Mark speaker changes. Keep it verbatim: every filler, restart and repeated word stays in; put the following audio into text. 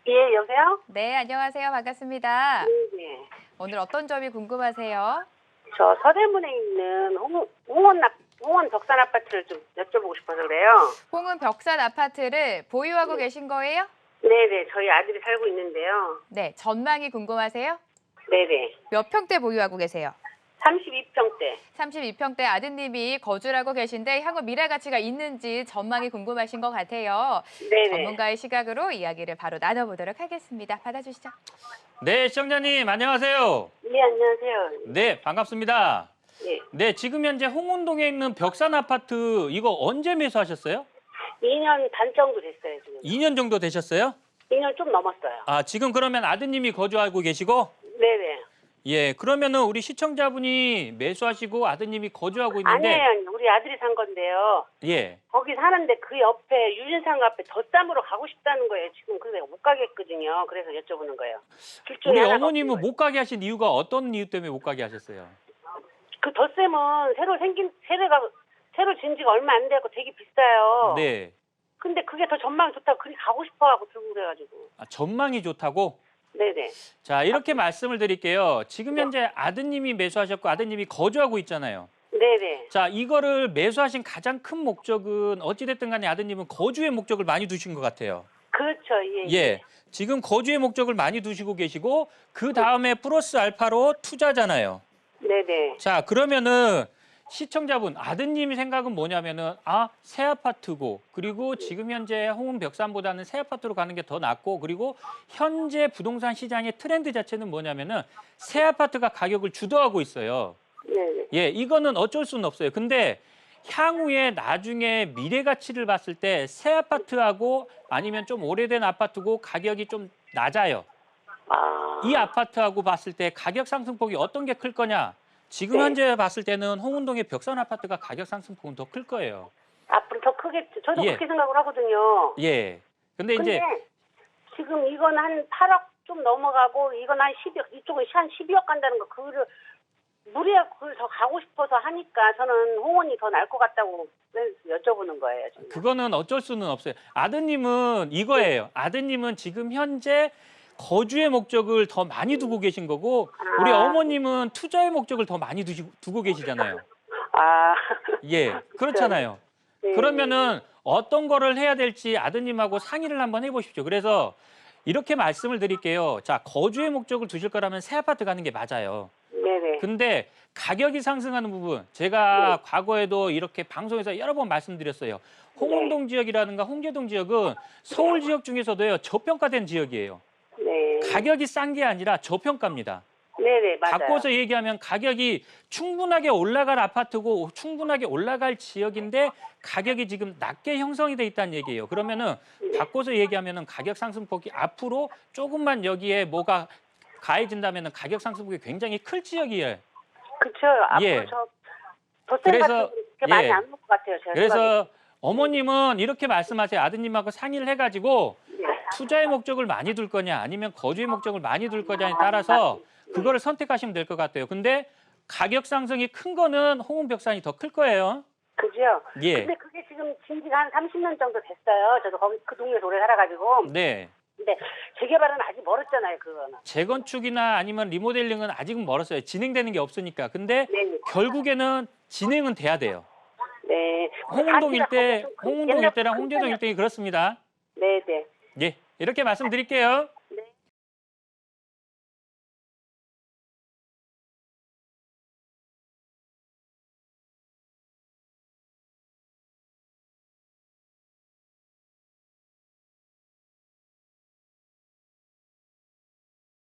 Speaker 1: 예, 여보세요?
Speaker 2: 네, 안녕하세요. 반갑습니다.
Speaker 1: 네네.
Speaker 2: 오늘 어떤 점이 궁금하세요?
Speaker 1: 저 서대문에 있는 홍, 홍원, 아- 홍원 덕산 아파트를 좀 여쭤보고 싶어서 그래요.
Speaker 2: 홍은 벽산 아파트를 보유하고
Speaker 1: 네.
Speaker 2: 계신 거예요?
Speaker 1: 네네, 저희 아들이 살고 있는데요.
Speaker 2: 네, 전망이 궁금하세요?
Speaker 1: 네네.
Speaker 2: 몇 평대 보유하고 계세요?
Speaker 1: 삼십이 평대.
Speaker 2: 삼십이 평대 아드님이 거주를 하고 계신데 향후 미래 가치가 있는지 전망이 궁금하신 것 같아요.
Speaker 1: 네네.
Speaker 2: 전문가의 시각으로 이야기를 바로 나눠보도록 하겠습니다. 받아주시죠.
Speaker 3: 네, 시청자님 안녕하세요.
Speaker 1: 네, 안녕하세요.
Speaker 3: 네, 반갑습니다.
Speaker 1: 예.
Speaker 3: 네, 지금 현재 홍은동에 있는 벽산 아파트 이거 언제 매수하셨어요?
Speaker 1: 이 년 반 정도 됐어요, 지금.
Speaker 3: 이 년 정도 되셨어요?
Speaker 1: 이 년 좀 넘었어요.
Speaker 3: 아, 지금 그러면 아드님이 거주하고 계시고?
Speaker 1: 네네.
Speaker 3: 예, 그러면은 우리 시청자분이 매수하시고 아드님이 거주하고 있는데
Speaker 1: 아니에요, 우리 아들이 산 건데요.
Speaker 3: 예.
Speaker 1: 거기 사는데 그 옆에 유진상 앞에 덧담으로 가고 싶다는 거예요. 지금 그래서 못 가겠거든요. 그래서 여쭤보는 거예요. 둘 중에
Speaker 3: 우리
Speaker 1: 하나가
Speaker 3: 어머님은
Speaker 1: 없는 거예요.
Speaker 3: 못 가게 하신 이유가 어떤 이유 때문에 못 가게 하셨어요?
Speaker 1: 그 덧셈은 새로 생긴 새로가 새로 진 지가 얼마 안 돼갖고 되게 비싸요.
Speaker 3: 네.
Speaker 1: 근데 그게 더 전망이 좋다고 그리 가고 싶어하고 들고 그래가지고.
Speaker 3: 아, 전망이 좋다고?
Speaker 1: 네네.
Speaker 3: 자, 이렇게 말씀을 드릴게요. 지금 현재 아드님이 매수하셨고 아드님이 거주하고 있잖아요.
Speaker 1: 네네.
Speaker 3: 자, 이거를 매수하신 가장 큰 목적은 어찌됐든 간에 아드님은 거주의 목적을 많이 두신 것 같아요.
Speaker 1: 그렇죠. 예.
Speaker 3: 예. 지금 거주의 목적을 많이 두시고 계시고 그 다음에 플러스 알파로 투자잖아요.
Speaker 1: 네네.
Speaker 3: 자, 그러면은 시청자분 아드님 생각은 뭐냐면은 아, 새 아파트고 그리고 지금 현재 홍은 벽산보다는 새 아파트로 가는 게 더 낫고 그리고 현재 부동산 시장의 트렌드 자체는 뭐냐면은 새 아파트가 가격을 주도하고 있어요.
Speaker 1: 네네.
Speaker 3: 예, 이거는 어쩔 수는 없어요. 근데 향후에 나중에 미래 가치를 봤을 때 새 아파트하고 아니면 좀 오래된 아파트고 가격이 좀 낮아요.
Speaker 1: 아.
Speaker 3: 이 아파트하고 봤을 때 가격 상승폭이 어떤 게 클 거냐? 지금
Speaker 1: 네.
Speaker 3: 현재 봤을 때는 홍은동의 벽산 아파트가 가격 상승폭은 더 클 거예요.
Speaker 1: 앞으로 더 크겠죠. 저도
Speaker 3: 예.
Speaker 1: 그렇게 생각을 하거든요.
Speaker 3: 예. 근데
Speaker 1: 근데
Speaker 3: 이제
Speaker 1: 지금 이건 한 팔억 좀 넘어가고 이건 한 십억 이쪽은 한 십이억 간다는 거 그거를 무리해 그걸 더 가고 싶어서 하니까 저는 홍원이 더 나을 것 같다고 여쭤보는 거예요. 지금.
Speaker 3: 그거는 어쩔 수는 없어요. 아드님은 이거예요. 아드님은 지금 현재 거주의 목적을 더 많이 두고 계신 거고 우리
Speaker 1: 아.
Speaker 3: 어머님은 투자의 목적을 더 많이 두시, 두고 계시잖아요.
Speaker 1: 아.
Speaker 3: 예, 그렇잖아요.
Speaker 1: 네.
Speaker 3: 그러면은 어떤 거를 해야 될지 아드님하고 상의를 한번 해보십시오. 그래서 이렇게 말씀을 드릴게요. 자, 거주의 목적을 두실 거라면 새 아파트 가는 게 맞아요.
Speaker 1: 네네.
Speaker 3: 근데 가격이 상승하는 부분, 제가
Speaker 1: 네.
Speaker 3: 과거에도 이렇게 방송에서 여러 번 말씀드렸어요. 홍은동 지역이라든가 홍제동 지역은 서울 지역 중에서도요, 저평가된 지역이에요.
Speaker 1: 네.
Speaker 3: 가격이 싼 게 아니라 저평가입니다.
Speaker 1: 네네, 맞아요.
Speaker 3: 바꿔서 얘기하면 가격이 충분하게 올라갈 아파트고 충분하게 올라갈 지역인데 가격이 지금 낮게 형성이 돼 있다는 얘기예요. 그러면은
Speaker 1: 네.
Speaker 3: 바꿔서 얘기하면은 가격 상승폭이 앞으로 조금만 여기에 뭐가 가해진다면은 가격 상승폭이 굉장히 클 지역이에요.
Speaker 1: 그쵸. 앞으로
Speaker 3: 예.
Speaker 1: 저 덧셈
Speaker 3: 그래서,
Speaker 1: 같은 거 그렇게 많이
Speaker 3: 예.
Speaker 1: 안 올 것 같아요. 제가 생각에.
Speaker 3: 그래서 어머님은 이렇게 말씀하세요. 아드님하고 상의를 해가지고
Speaker 1: 네.
Speaker 3: 투자의 목적을 많이 둘 거냐 아니면 거주의 목적을 많이 둘 거냐에 따라서 그거를 선택하시면 될 것 같아요. 근데 가격 상승이 큰 거는 홍은벽산이 더 클 거예요.
Speaker 1: 그죠?
Speaker 3: 예.
Speaker 1: 근데 그게 지금 진지가 한 삼십 년 정도 됐어요. 저도 거기 그 동네에서 오래 살아가지고.
Speaker 3: 네.
Speaker 1: 근데 재개발은 아직 멀었잖아요, 그거는.
Speaker 3: 재건축이나 아니면 리모델링은 아직은 멀었어요. 진행되는 게 없으니까. 근데
Speaker 1: 네.
Speaker 3: 결국에는 진행은 돼야 돼요.
Speaker 1: 네.
Speaker 3: 홍은동
Speaker 1: 자기가
Speaker 3: 일대,
Speaker 1: 거기 좀 큰-
Speaker 3: 홍은동
Speaker 1: 옛날
Speaker 3: 일대랑
Speaker 1: 큰
Speaker 3: 홍제동
Speaker 1: 편이었-
Speaker 3: 일대이 그렇습니다.
Speaker 1: 네네.
Speaker 3: 예. 이렇게 말씀드릴게요.